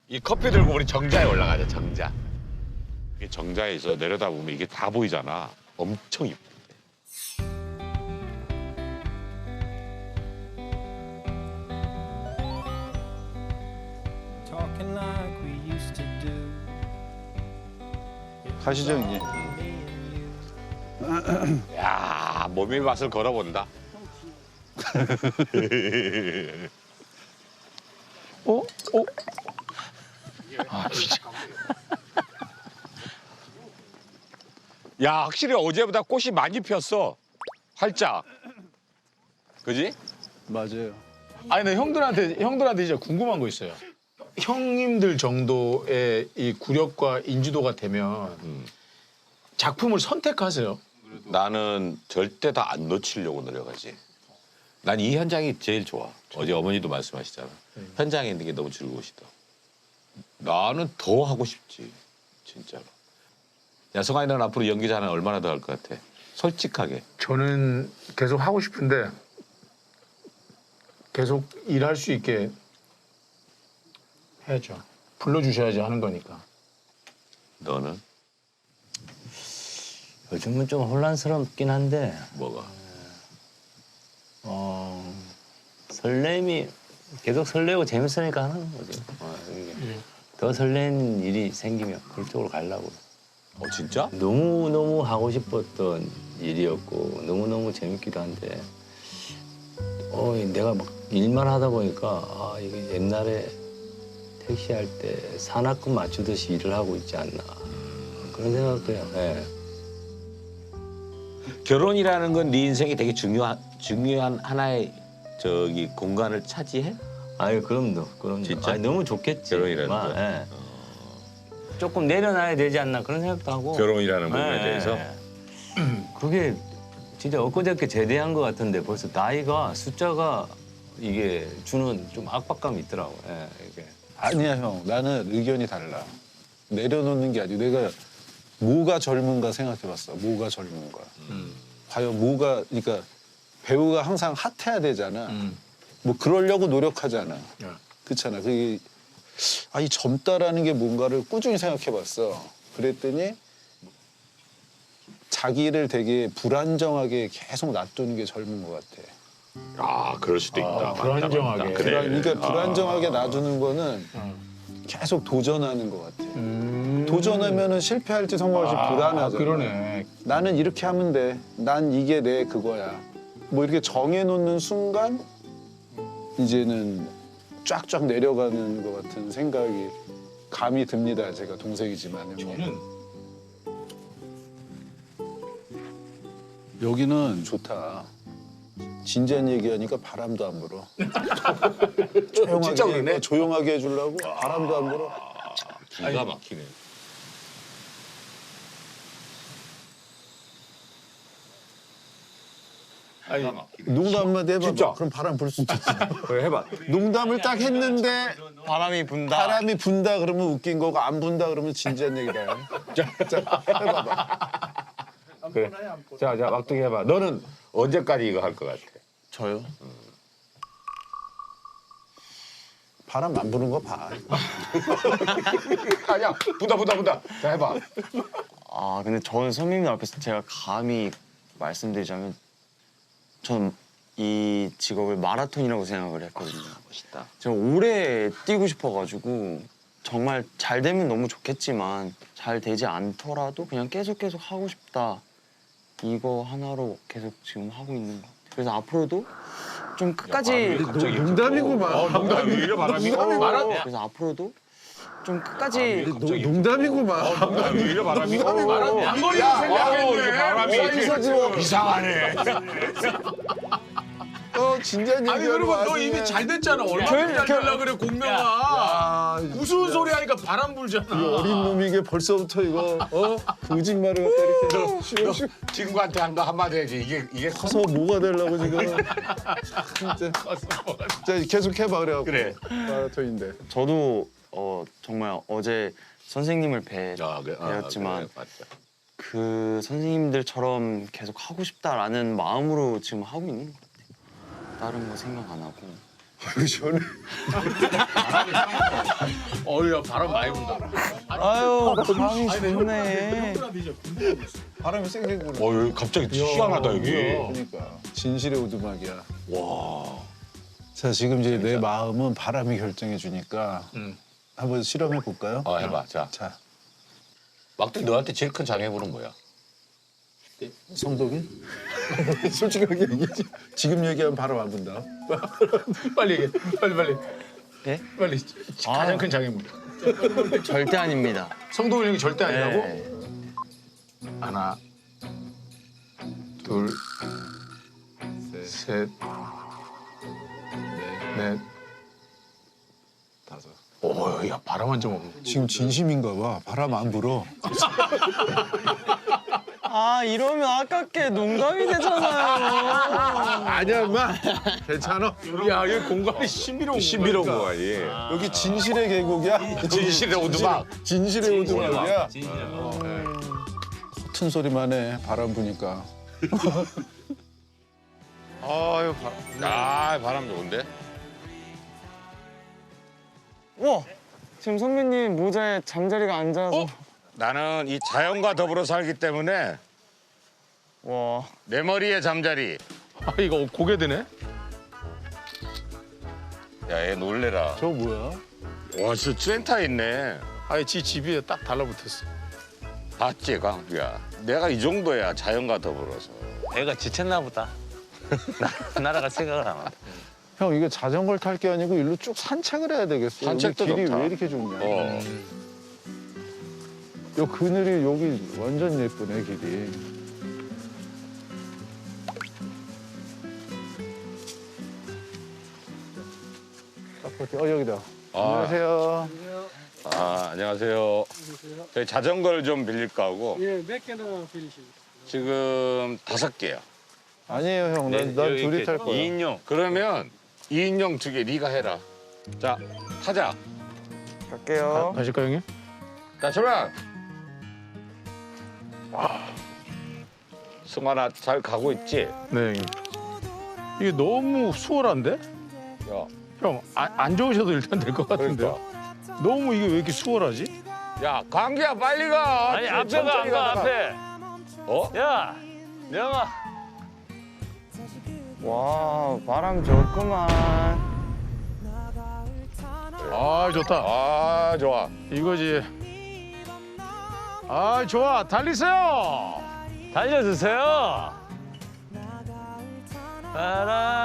이 커피 들고 우리 정자에 올라가자, 정자. 이게 정자에서 내려다보면 이게 다 보이잖아. 엄청 이쁘대. Talking like we used to do. 가시죠, 형님. 야, 몸의 맛을 걸어본다. 어? 어? 야, 확실히 어제보다 꽃이 많이 폈어. 활짝. 그지? 맞아요. 아니, 근데 형들한테 진짜 궁금한 거 있어요. 형님들 정도의 이 구력과 인지도가 되면 작품을 선택하세요. 나는 절대 다 안 놓치려고 노력하지. 난 이 현장이 제일 좋아. 어제 어머니도 말씀하시잖아. 현장에 있는 게 너무 즐거우시다. 나는 더 하고 싶지, 진짜로. 야, 성환이 넌 앞으로 연기자 하나 얼마나 더 할 것 같아? 솔직하게. 저는 계속 하고 싶은데 계속 일할 수 있게 해야죠. 불러주셔야지 하는 거니까. 너는 요즘은 좀 혼란스럽긴 한데 뭐가? 설렘이 계속 설레고 재밌으니까 하는 거죠. 이게 더 설레는 일이 생기면 그쪽으로 가려고. 진짜? 너무너무 하고 싶었던 일이었고 너무너무 재밌기도 한데 내가 막 일만 하다 보니까 이게 옛날에 택시할 때 산악금 맞추듯이 일을 하고 있지 않나 그런 생각도 해요. 네. 결혼이라는 건 네 인생에 되게 중요한 하나의 공간을 차지해? 아유 그럼요. 진짜? 너무 좋겠지. 결혼이라는 거? 예. 조금 내려놔야 되지 않나 그런 생각도 하고. 결혼이라는 부분에 예, 대해서? 그게 진짜 엊그저께 제대한 것 같은데 벌써 나이가 숫자가 이게 주는 좀 압박감이 있더라고. 예, 이게. 아니야, 형. 나는 의견이 달라. 내려놓는 게 아니고 내가 뭐가 젊은가 생각해봤어. 뭐가 젊은가. 과연 뭐가, 그러니까 배우가 항상 핫해야 되잖아. 뭐 그러려고 노력하잖아. 그렇잖아. 그게 이 젊다라는 게 뭔가를 꾸준히 생각해봤어. 그랬더니 자기를 되게 불안정하게 계속 놔두는 게 젊은 것 같아. 아, 그럴 수도 있다. 맞다, 불안정하게. 맞다. 그래. 그러니까 불안정하게 놔두는 거는 계속 도전하는 것 같아. 도전하면은 실패할지 성공할지 불안하잖아. 그러네. 나는 이렇게 하면 돼. 난 이게 내 그거야. 뭐 이렇게 정해놓는 순간 이제는 쫙쫙 내려가는 것 같은 생각이 감이 듭니다. 제가 동생이지만. 저는 여기는 좋다. 진지한 얘기하니까 바람도 안 불어. 조용하게, 진짜 그러네. 조용하게 해주려고 바람도 안 불어. 기가 막히네. 아니, 농담 한마디 해봐. 진짜? 그럼 바람 불 수 있지. 그래, 해봐. 농담을 딱 했는데 바람이 분다. 바람이 분다 그러면 웃긴 거고 안 분다 그러면 진지한 얘기다. 자, 해봐봐. 그래. 자, 막둥이 해봐. 너는 언제까지 이거 할 것 같아? 저요? 바람 안 부는 거 봐. 아니야, 부다. 자, 해봐. 근데 저는 선배님 앞에서 제가 감히 말씀드리자면 저는 이 직업을 마라톤이라고 생각을 했거든요. 멋있다. 제가 오래 뛰고 싶어가지고 정말 잘 되면 너무 좋겠지만 잘 되지 않더라도 그냥 계속 하고 싶다. 이거 하나로 계속 지금 하고 있는 것 같아요. 그래서 앞으로도 좀 끝까지 농담이구만. 농담이 왜 이래, 바람이? 그래서 앞으로도 좀 끝까지 농담이구만. 농담이 왜 이래, 바람이? 양거리로 생각했네. 바람이 이상하네. 진지한 얘기. 아니, 여러분, 너 이미 잘 됐잖아. 얼마나 잘 되려고 그래, 공명아. 우스운 소리 하니까 바람 불잖아. 어린 놈이 이게 벌써부터 이거 거짓말을 갖다 이렇게 쉬워. 친구한테 한 거 한마디 해야지. 이게 커서 뭐가 되려고 지금. 진짜. 자, 계속 해봐 그래갖고. 그래. 마라톤인데. 저도 정말 어제 선생님을 그래. 배웠지만 그래, 맞다. 그 선생님들처럼 계속 하고 싶다라는 마음으로 지금 하고 있는 것 같아요. 다른 거 생각 안 하고 시원해. 어우야 바람 많이 분다. 아유 바람이 좋네. 바람이 세게 부네. 여기 갑자기 희한하다 여기. 그러니까 진실의 오두막이야. 와. 자 지금 이제 내 마음은 바람이 결정해 주니까 한번 실험해 볼까요? 해봐. 자, 자 막둥이 너한테 제일 큰 장애물은 뭐야? 성동이? 솔직하게 얘기하지. 지금 얘기하면 바람 안 분다. 빨리 얘기해. 빨리. 예? 빨리. 가장 큰 장애물. 절대 아닙니다. 성동일 형이 절대 아니라고? 네. 하나, 둘, 셋, 넷, 다섯. 오, 야 바람 한 점 없네. 지금 진심인가 봐. 바람 안 불어. 아 이러면 아깝게 농담이 되잖아요. 아니야 인마. 괜찮아. 야, 여기 공간이 신비로운 신비로운 공간이니까. 공간이. 여기 진실의 계곡이야. 진실의 오두막. 진실의 오두막이야. 진짜. 같은 소리만 해. 바람 부니까. 아유 바람. 바람 좋은데? 와 지금 선배님 모자에 잠자리가 앉아서. 나는 이 자연과 더불어 살기 때문에 와 내 머리에 잠자리. 아, 이거 고개 드네? 야, 얘 놀래라. 저 뭐야? 와, 진짜 센터 있네. 아예 지 집에 딱 달라붙었어. 봤지, 강수야. 내가 이 정도야, 자연과 더불어서. 애가 지쳤나 보다. 날아갈 생각을 안 하고. 형 이거 자전거를 탈 게 아니고 일로 쭉 산책을 해야 되겠어. 산책도 여기 길이 좋다. 왜 이렇게 좋냐? 어. 요 그늘이 여기 완전 예쁘네 길이. 여기다. 안녕하세요. 안녕하세요. 저희 자전거를 좀 빌릴까 하고. 예, 몇 개나 빌리십니까? 지금 5개요. 아니에요 형. 난 둘이 탈 거야. 2인용. 그러면 2인용 2개 네가 해라. 자, 타자. 갈게요. 가실까 형님? 자, 출발. 승환아, 잘 가고 있지? 네 형님. 이게 너무 수월한데? 야, 형, 안 좋으셔도 일단 될 것 같은데요? 너무 이게 왜 이렇게 수월하지? 야, 강기야, 빨리 가. 아니 앞에가 천천히 안 가 가다가. 앞에. 어? 야, 명아. 와 바람 좋구만. 아, 좋다. 아, 좋아. 이거지. 아, 좋아. 달리세요. 달려주세요. 따라.